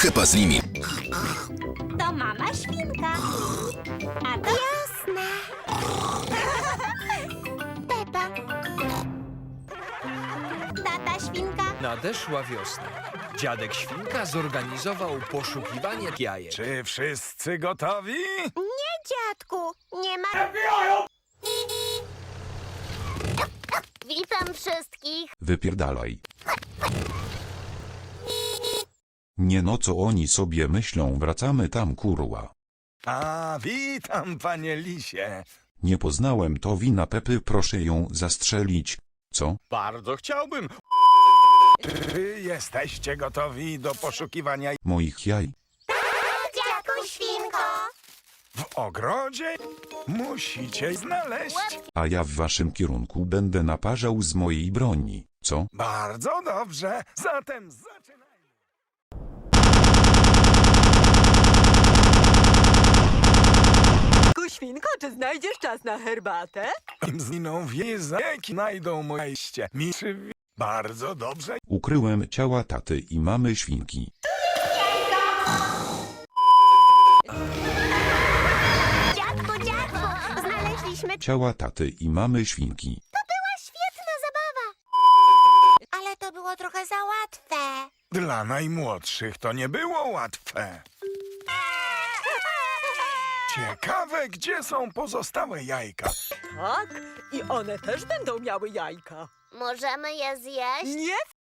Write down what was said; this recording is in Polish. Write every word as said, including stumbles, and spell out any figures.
Peppa z nimi. To mama świnka. A to... Jasne. Pepa. Tata świnka. Nadeszła wiosna. Dziadek Świnka zorganizował poszukiwanie jajek. Czy wszyscy gotowi? Nie, dziadku. Nie ma... Witam wszystkich. Wypierdalaj. Nie no, co oni sobie myślą, wracamy tam, kurwa. A, witam, panie lisie. Nie poznałem, to wina Pepy, proszę ją zastrzelić. Co? Bardzo chciałbym. Czy jesteście gotowi do poszukiwania Moich jaj? Dziadku świnko. w ogrodzie? Musicie znaleźć. A ja w waszym kierunku będę naparzał z mojej broni. Co? Bardzo dobrze. Zatem zaczynajmy. Świnko, czy znajdziesz czas na herbatę? Im zginą wiezeki, znajdą moje ście. Miszy. Bardzo dobrze. Ukryłem ciała taty i mamy świnki. Dziadku, dziadku. Znaleźliśmy... Ciała taty i mamy świnki. Świetna zabawa. Ale to było trochę za łatwe. Dla najmłodszych to nie było łatwe. Ciekawe, gdzie są pozostałe jajka. Tak, i one też będą miały jajka. Możemy je zjeść? Nie